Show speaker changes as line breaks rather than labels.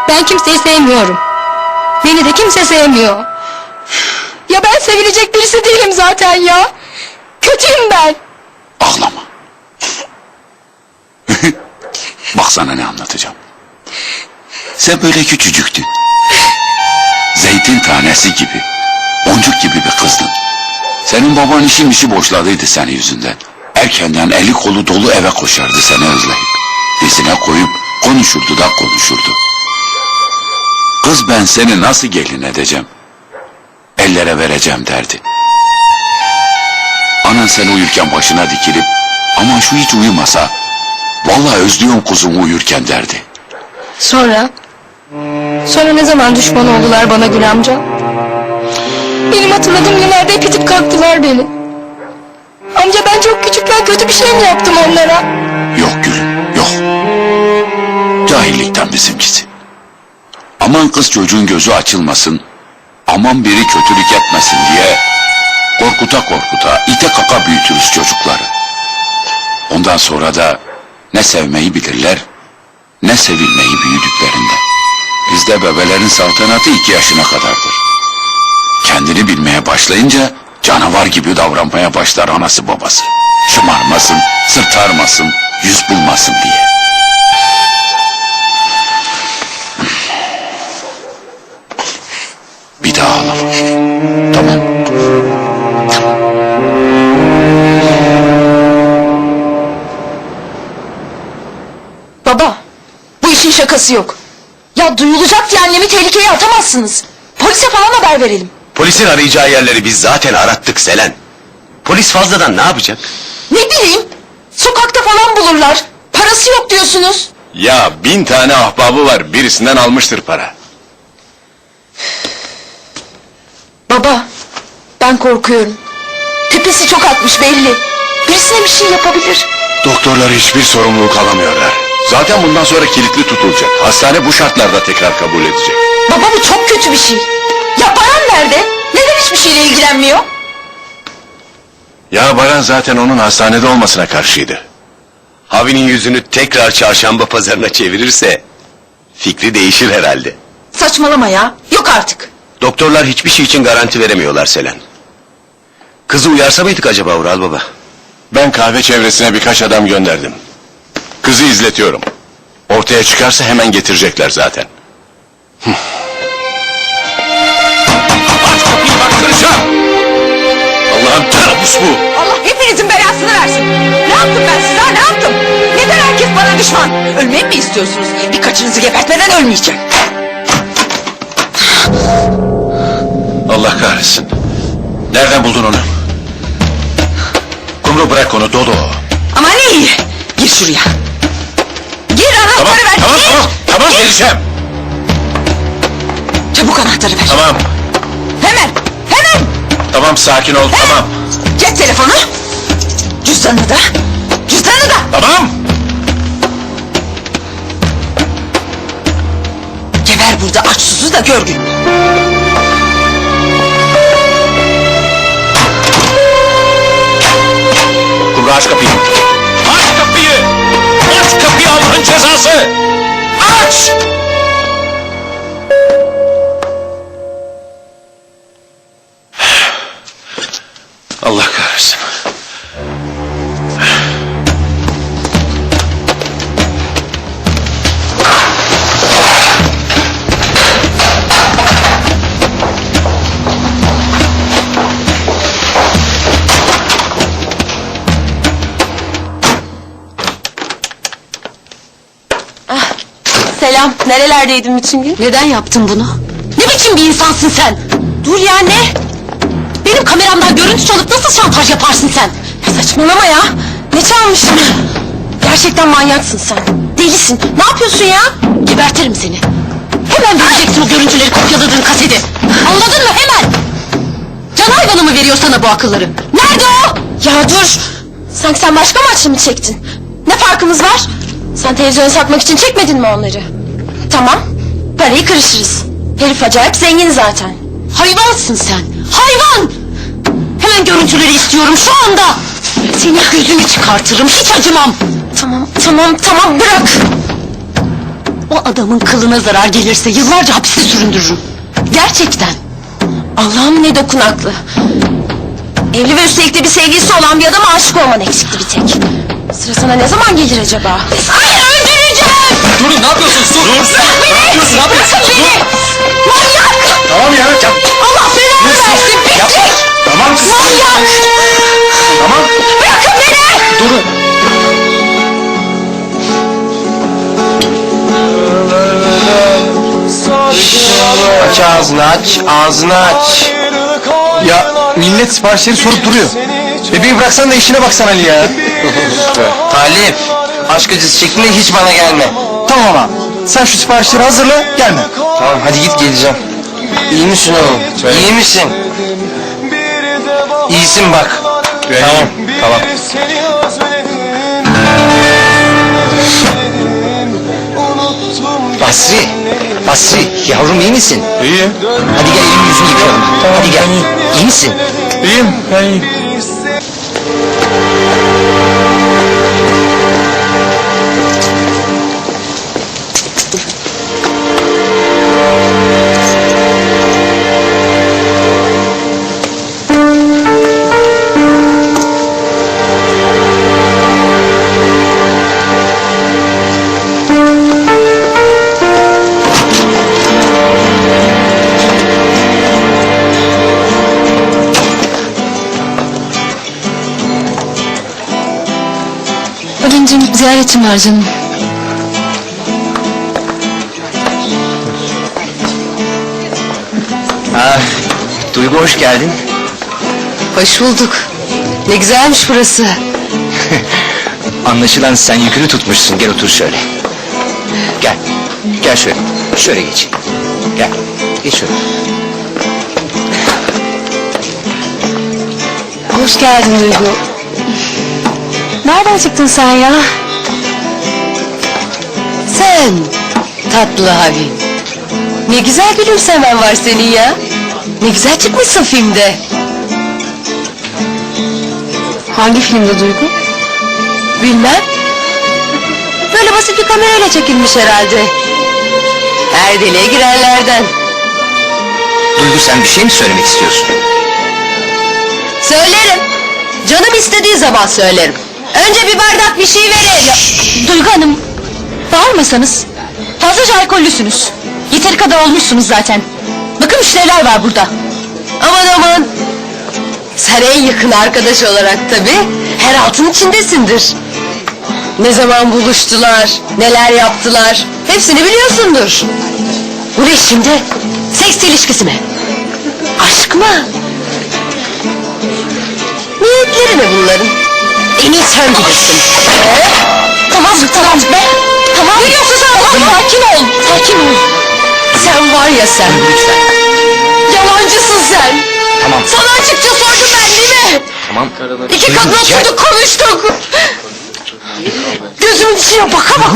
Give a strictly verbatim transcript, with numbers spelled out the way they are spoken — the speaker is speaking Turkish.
Ben kimseyi sevmiyorum. Beni de kimse sevmiyor. Ya ben sevilecek birisi değilim zaten ya. Kötüyüm ben.
Ağlama. Bak sana ne anlatacağım. Sen böyle küçücüktün. Zeytin tanesi gibi, boncuk gibi bir kızdın. Senin baban işin işi boşladıydı senin yüzünden. Erkenden eli kolu dolu eve koşardı seni özleyip. Dizine koyup konuşurdu da konuşurdu. Kız ben seni nasıl gelin edeceğim? Ellere vereceğim derdi. Anan sen uyurken başına dikilip aman şu hiç uyumasa vallahi özlüyorum kuzumu uyurken derdi.
Sonra? Sonra ne zaman düşman oldular bana Gül amca? Benim hatırladığım günlerde hep itip kalktılar beni. Amca ben çok küçükken kötü bir şey mi yaptım onlara?
Yok gülüm yok. Cahillikten bizimkisi. Aman kız çocuğun gözü açılmasın, aman biri kötülük etmesin diye korkuta korkuta ite kaka büyütürüz çocukları. Ondan sonra da ne sevmeyi bilirler ne sevilmeyi büyüdüklerinde. Bizde bebelerin saltanatı iki yaşına kadardır. Kendini bilmeye başlayınca canavar gibi davranmaya başlar anası babası. Şımarmasın, sırtarmasın, yüz bulmasın diye. Bir daha ağlama. Tamam.
Baba, bu işin şakası yok. Ya duyulacak diye annemi tehlikeye atamazsınız. Polise falan haber verelim.
Polisin arayacağı yerleri biz zaten arattık Selen. Polis fazladan ne yapacak?
Ne bileyim, sokakta falan bulurlar. Parası yok diyorsunuz.
Ya bin tane ahbabı var, birisinden almıştır para.
Baba, ben korkuyorum. Tepesi çok atmış belli. Birisine bir şey yapabilir.
Doktorlar hiçbir sorumluluk alamıyorlar. Zaten bundan sonra kilitli tutulacak. Hastane bu şartlarda tekrar kabul edecek.
Baba bu çok kötü bir şey. Ya Baran nerede? Neden hiçbir şeyle ilgilenmiyor?
Ya Baran zaten onun hastanede olmasına karşıydı. Havi'nin yüzünü tekrar çarşamba pazarına çevirirse fikri değişir herhalde.
Saçmalama ya, yok artık.
Doktorlar hiçbir şey için garanti veremiyorlar Selen. Kızı uyarsa mıydık acaba Ural Baba? Ben kahve çevresine birkaç adam gönderdim. Kızı izletiyorum. Ortaya çıkarsa hemen getirecekler zaten. Aç kapıyı bak kıracağım! Allah'ım kabus bu!
Allah hepinizin belasını versin. Ne yaptım ben size ha, ne yaptım? Neden herkes bana düşman? Ölmeyi mi istiyorsunuz? Birkaçınızı gebertmeden ölmeyeceğim.
Allah kahretsin. Nereden buldun onu? Kumru bırak onu Dodo.
Ama ne iyi. Gir şuraya. Gir anahtarı
Tamam
ver.
tamam
gir.
tamam tamam geleceğim.
Çabuk anahtarı ver.
Tamam
Hemen. Hemen.
tamam sakin ol tamam.
Cep telefonu. Cüzdanı da. Cüzdanı da.
Tamam.
Geber burada aç susuz da gör gün.
Kumru aç kapıyı. Aç kapıyı. Aç kapıyı Allah'ın cezası. Aç. Allah kahretsin.
Selam. Nerelerdeydin bütün gün? Neden yaptın bunu? Ne biçim bir insansın sen? Dur ya ne? Benim kameramdan görüntü çalıp nasıl şantaj yaparsın sen? Ya saçmalama ya. Ne çalmışım? Gerçekten manyaksın sen. Delisin. Ne yapıyorsun ya? Gebertirim seni. Hemen vereceksin o görüntüleri kopyaladığın kaseti. Anladın mı? Hemen. Can hayvanı mı veriyor sana bu akılları? Nerede o? Ya dur. Sanki sen başka maçlı mı çektin? Ne farkımız var? Sen televizyonu satmak için çekmedin mi onları? Tamam. Parayı kırışırız. Herif acayip zengin zaten. Hayvansın sen. Hayvan! Hemen görüntüleri istiyorum şu anda. Senin gözünü çıkartırım. Hiç acımam. Tamam, tamam, tamam. Bırak. O adamın kılına zarar gelirse yıllarca hapiste süründürürüm. Gerçekten. Allah'ım ne dokunaklı. Evli ve üstelik de bir sevgilisi olan bir adama aşık olman eksikti bir tek. Sıra sana ne zaman gelir acaba? Hayır, öldüreceğim!
Durun, ne yapıyorsunuz? Dur! Dur!
Bırak beni!
Ne yapıyorsun? Ne yapıyorsun?
Bırakın beni! Manyak!
Tamam ya. Ya,
Allah belanı versin! Pislik!
tamam kız.
Manyak!
Tamam.
Bırakın beni!
Durun.
Aç ağzını aç, ağzını aç.
Ya millet siparişleri sorup duruyor. Bebeği bıraksan da işine baksan Ali ya.
Talip, aşk acısı çektiğinde hiç bana gelme.
Tamam ama sen şu siparişleri hazırla gelme.
Tamam hadi git geleceğim. İyi misin oğlum? İyi misin? İyisin bak. Tamam, tamam. Basri, Basri, yavrum iyi misin?
İyi.
Hadi gel elini yüzünü yıkayalım. Hadi gel. İyi misin?
İyiyim. Ben iyiyim.
Ali'cim ziyaretim var canım.
Ah, Duygu hoş geldin.
Hoş bulduk. Ne güzelmiş burası.
Anlaşılan sen yükünü tutmuşsun. Gel otur şöyle. Gel. Gel şöyle. Şöyle geç. Gel. Geç şöyle.
Hoş geldin Duygu. Nereden çıktın sen ya?
Sen tatlı abi. Ne güzel gülümsemen var senin ya. Ne güzel çıkmışsın filmde.
Hangi filmde Duygu?
Bilmem. Böyle basit bir kamerayla çekilmiş herhalde. Her deliğe girenlerden.
Duygu sen bir şey mi söylemek istiyorsun?
Söylerim. Canım istediği zaman söylerim. Önce bir bardak bir şey verin. Ya,
Duygu Hanım, bağırmasanız. Fazlaca alkollüsünüz. Yeteri kadar olmuşsunuz zaten. Bakın müşteriler var burada.
aman aman. Sen en yakın arkadaş olarak tabii her altın içindesindir. Ne zaman buluştular, neler yaptılar, hepsini biliyorsundur. Bu ne şimdi? Seks ilişkisi mi? Aşk mı? Niyetleri ne bunların? En iyi sen bilirsin. Ee?
Tamam, tamam be. Tamam.
Ne diyorsun sen?
Tamam, sakin ol, sakin ol.
Sen var ya sen.
Duygu lütfen.
Yalancısın sen.
Tamam.
Sana açıkça sordum ben değil mi?
Tamam.
İki
Duygu,
kadın
gel.
oturduk konuştuk. Gözümün içine baka baka